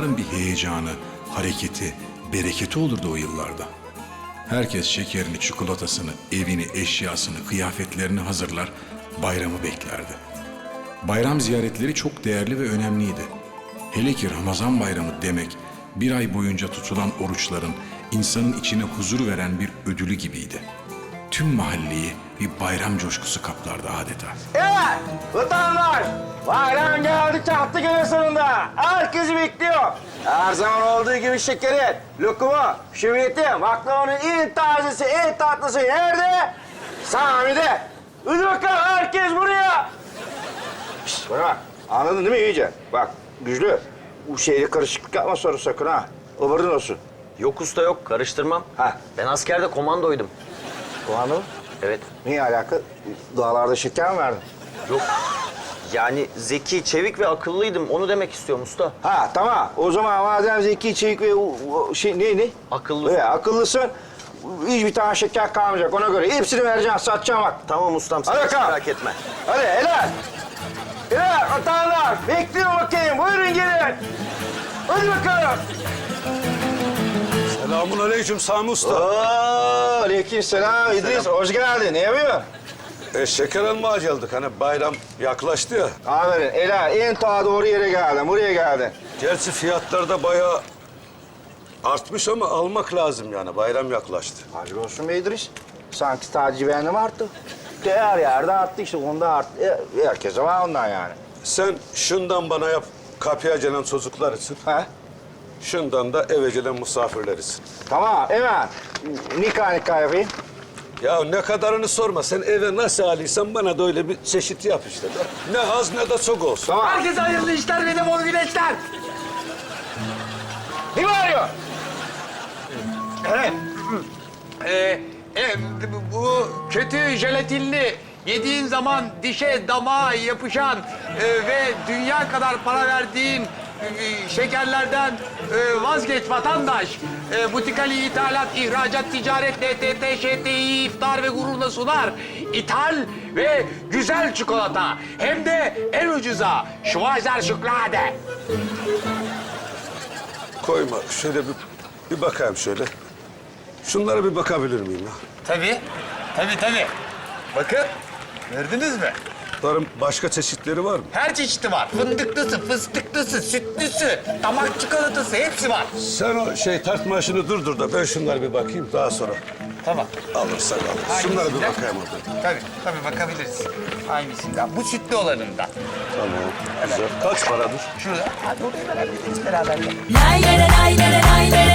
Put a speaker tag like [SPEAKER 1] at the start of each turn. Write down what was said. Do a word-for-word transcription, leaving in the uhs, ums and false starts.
[SPEAKER 1] bayramın bir heyecanı, hareketi, bereketi olurdu o yıllarda. Herkes şekerini, çikolatasını, evini, eşyasını, kıyafetlerini hazırlar, bayramı beklerdi. Bayram ziyaretleri çok değerli ve önemliydi. Hele ki Ramazan bayramı demek, bir ay boyunca tutulan oruçların insanın içine huzur veren bir ödülü gibiydi. Tüm mahalleyi bir bayram coşkusu kaplardı adeta.
[SPEAKER 2] Evet, vatandaş. Bayram geldi çattı günün sonunda. Herkesi bekliyor. Her zaman olduğu gibi şekerin, lokumu, şöbiyeti, baklavanın en tazesi, en tatlısı nerede? Sami'de. Hadi bakalım herkes buraya. Şişt, bana bak. Anladın değil mi iyice? Bak Güçlü, bu şeyle karışıklık yapma sonra sakın ha. Haberin olsun.
[SPEAKER 3] Yok usta yok, karıştırmam.
[SPEAKER 2] Ha.
[SPEAKER 3] Ben askerde komandoydum.
[SPEAKER 2] Kulağını mı?
[SPEAKER 3] Evet.
[SPEAKER 2] Niye alaka? Dağlarda şeker mi verdin?
[SPEAKER 3] Yok. Yani zeki, çevik ve akıllıydım. Onu demek istiyorum usta.
[SPEAKER 2] Ha tamam. O zaman madem zeki, çevik ve o, o şey ne ne?
[SPEAKER 3] Akıllı.
[SPEAKER 2] Evet, akıllısın. Hiçbir tane şeker kalmayacak ona göre. Hepsini vereceğim, satacağım bak.
[SPEAKER 3] Tamam ustam, sen
[SPEAKER 2] Hadi
[SPEAKER 3] hiç
[SPEAKER 2] bakalım.
[SPEAKER 3] merak etme.
[SPEAKER 2] Hadi helal. Helal vatandaş. Bekliyorum bakayım. Buyurun gelin. Hadi bakalım.
[SPEAKER 4] Selamun aleyküm Sami Usta.
[SPEAKER 2] Oo, aleyküm selam İdris. Hoş geldin. Ne yapıyorsun?
[SPEAKER 4] E, şeker almaya geldik. Hani bayram yaklaştı ya.
[SPEAKER 2] Aferin. Helal. En ta doğru yere geldin. Buraya geldin.
[SPEAKER 4] Gerçi fiyatlar da bayağı artmış ama almak lazım yani. Bayram yaklaştı.
[SPEAKER 2] Hayırlı olsun be İdris. Sanki taciz beğendim arttı. De her yerde arttı işte. Onda arttı. E, herkese var ondan yani.
[SPEAKER 4] Sen şundan bana yap. Kapıya gelen çocuklar için.
[SPEAKER 2] Ha?
[SPEAKER 4] Şundan da eve gelen misafirler için.
[SPEAKER 2] Tamam, hemen. Nikah nikah yapayım.
[SPEAKER 4] Ya ne kadarını sorma. Sen eve nasıl alıysan bana da öyle bir çeşit yap işte. Ne az ne de çok olsun.
[SPEAKER 2] Tamam.
[SPEAKER 5] Herkese hayırlı işler ve de bol güneşler.
[SPEAKER 2] Kim arıyor?
[SPEAKER 5] Evet. Ee, e, bu kötü jelatinli, yediğin zaman dişe, damağa yapışan e, ve dünya kadar para verdiğin e, şekerlerden e, vazgeç vatandaş. E, Butikali İthalat, İhracat, Ticaret, N T T, Ş T İ, iftar ve gururla sunar. İthal ve güzel çikolata. Hem de en ucuza. Schweizer Schokolade.
[SPEAKER 4] Koyma. Şöyle bir, bir bakayım şöyle. Şunlara bir bakabilir miyim ya?
[SPEAKER 5] Tabii. Tabii tabii. Bakın. Gördünüz mü?
[SPEAKER 4] Bunların başka çeşitleri var mı?
[SPEAKER 5] Her çeşidi var. Fındıklısı, fıstıklısı, sütlüsü, damak çikolatası hepsi var.
[SPEAKER 4] Sen o şey tartma işini durdur da ben şunlara bir bakayım daha sonra
[SPEAKER 5] Tamam.
[SPEAKER 4] alırsak alırız. Şunlara bir
[SPEAKER 5] Hangisinden?
[SPEAKER 4] bakayım orada.
[SPEAKER 5] Tabii, tabii bakabiliriz. Hangisinden? Bu sütlü olanından.
[SPEAKER 4] Tamam. Güzel. Kaç paradır?
[SPEAKER 5] Şurada. Hadi oraya beraber, beraber.
[SPEAKER 6] Lay lay lay lay lay lay